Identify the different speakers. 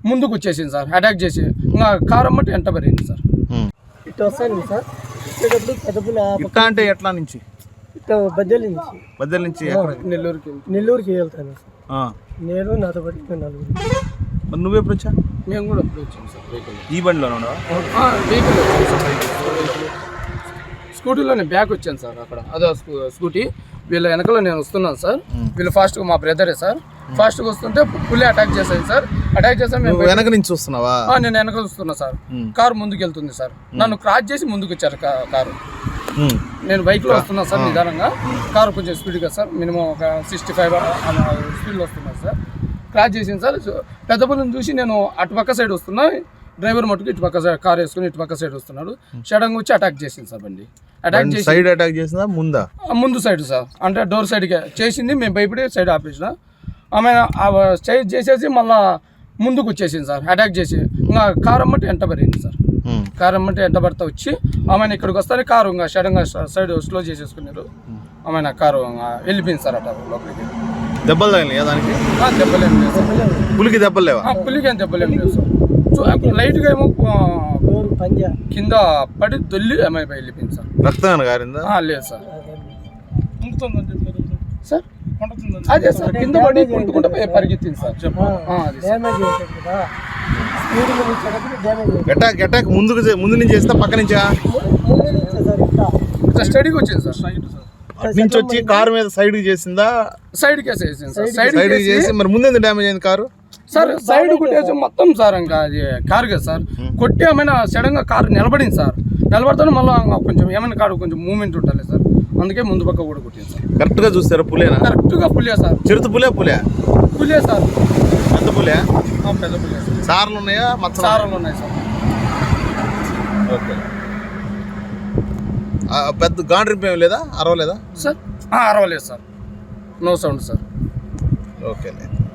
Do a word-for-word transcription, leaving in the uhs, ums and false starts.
Speaker 1: ముందుకు వచ్చేసింది sir, attack చేసి ఇంకా కారు అమ్మటి వెంట పడింది సార్.
Speaker 2: ఇట్లా వస్తాను సార్, వచ్చేటప్పుడు పెద్దపుల
Speaker 3: ఇట్లా అంటే ఎట్లా నుంచి
Speaker 2: ఇట్లా బద్దెల నుంచి
Speaker 3: బద్దెల నుంచి
Speaker 1: నెల్లూరుకి
Speaker 2: నెల్లూరుకి వెళ్తాను సార్.
Speaker 3: ఆ.
Speaker 2: నేను నాతో పాటు ఇంకా నలుగురు.
Speaker 3: మరి నువ్వెప్పుడు వచ్చా?
Speaker 1: మేము కూడా అప్పుడు వచ్చాము సార్ వెహికల్.
Speaker 3: ఈ బండిలో ఉన్నావా?
Speaker 1: వెహికల్ వచ్చాము సార్, వెహికల్ స్కూటీలోనే బ్యాక్ వచ్చాను సార్. అక్కడ అదే స్కూటీ వీళ్ళ వెనకలో నేను వస్తున్నాను సార్. వీళ్ళు ఫాస్ట్గా మా బ్రదరే సార్, ఫాస్ట్గా వస్తుంటే పులి అటాక్ చేశాను సార్. అటాక్ చేసాను మేము
Speaker 3: వెనక నుంచి చూస్తున్నావా?
Speaker 1: నేను వెనక చూస్తున్నా సార్. కారు ముందుకు వెళ్తుంది సార్, నన్ను క్రాస్ చేసి ముందుకు వచ్చారు కారు. నేను బైక్లో వస్తున్నా సార్ నిదానంగా, కారు కొంచెం స్పీడ్గా సార్, మినిమం ఒక సిక్స్టీ ఫైవ్ స్పీడ్లో వస్తున్నా సార్. క్రాస్ చేసింది సార్. పెద్ద పులిని చూసి నేను అటుపక్క సైడ్ వస్తున్నా, డ్రైవర్ మటుకు ఇటు పక్క సైడ్ కార్ వేసుకుని ఇటు పక్క సైడ్ వస్తున్నాడు. సడన్గా వచ్చి అటాక్ చేసింది సార్ బండి. అటాక్ చేసి
Speaker 3: సైడ్ అటాక్ చేసిందా ముందా?
Speaker 1: ముందు సైడ్ సార్, అంటే డోర్ సైడ్కి చేసింది. మేము భయపడి సైడ్ ఆపేసిన. ఆమె సైడ్ చేసేసి మళ్ళా ముందుకు వచ్చేసింది సార్, అటాక్ చేసి ఇంకా కారు అమ్మటి వెంట పడింది సార్. కారు అమ్మటి వెంట పడతా వచ్చి ఆమె ఇక్కడికి వస్తానే కారు ఇంకా సడన్గా సైడ్ స్లో చేసేసుకున్నారు. ఆమె కారు వెళ్ళిపోయింది సార్ అట లోపలికి.
Speaker 3: దెబ్బలు తగిలినాయా దానికి?
Speaker 1: దెబ్బలేం లేదు సార్.
Speaker 3: పులికి దెబ్బలు లేవా?
Speaker 1: పులికి ఏం దెబ్బలేం లేదు సార్. లైట్గా ఏమో కింద పడి దొల్లి ఆమె వెళ్ళిపోయింది సార్.
Speaker 3: రక్తం గారిందా?
Speaker 1: లేదు సార్. సార్ అదే సార్, కింద పడి కొట్టుకుంటూ పరిగెత్తింది సార్.
Speaker 3: అటాక్ అటాక్ ముందుకు ముందు నుంచి చేస్తా పక్క నుంచా?
Speaker 1: స్టడీకి వచ్చింది సార్.
Speaker 3: అటు నుంచి వచ్చి కారు మీద సైడ్ చేసిందా?
Speaker 1: సైడ్ కేసు వేసింది సార్.
Speaker 3: సైడ్ చేసి మరి ముందు డ్యామేజ్ అయింది కారు
Speaker 1: సార్. సైడ్ కొట్టేసి మొత్తం సార్ ఇంకా అది కారు కదా సార్, కొట్టి ఏమైనా సడన్ గా కారు నిలబడింది సార్. నిలబడితే మళ్ళీ కొంచెం ఏమైనా కారు కొంచెం మూవ్మెంట్ ఉండాలి సార్, అందుకే ముందు పక్క కూడా కొట్టింది సార్.
Speaker 3: కరెక్ట్ గా చూస్తారా? పులేనా?
Speaker 1: కరెక్ట్ గా పులియా సార్.
Speaker 3: చిరుత పులే పులే
Speaker 1: పులియా సార్.
Speaker 3: పెద్ద పులే?
Speaker 1: పెద్ద పులియా సార్.
Speaker 3: సార్లు ఉన్నాయా? మచ్చ
Speaker 1: సార్లు ఉన్నాయి సార్.
Speaker 3: ఓకే. పెద్ద గాండ్రింపు ఏమి లేదా? అరవలేదా
Speaker 1: సార్? అరవలేదు sir, no sound sir.
Speaker 3: Okay.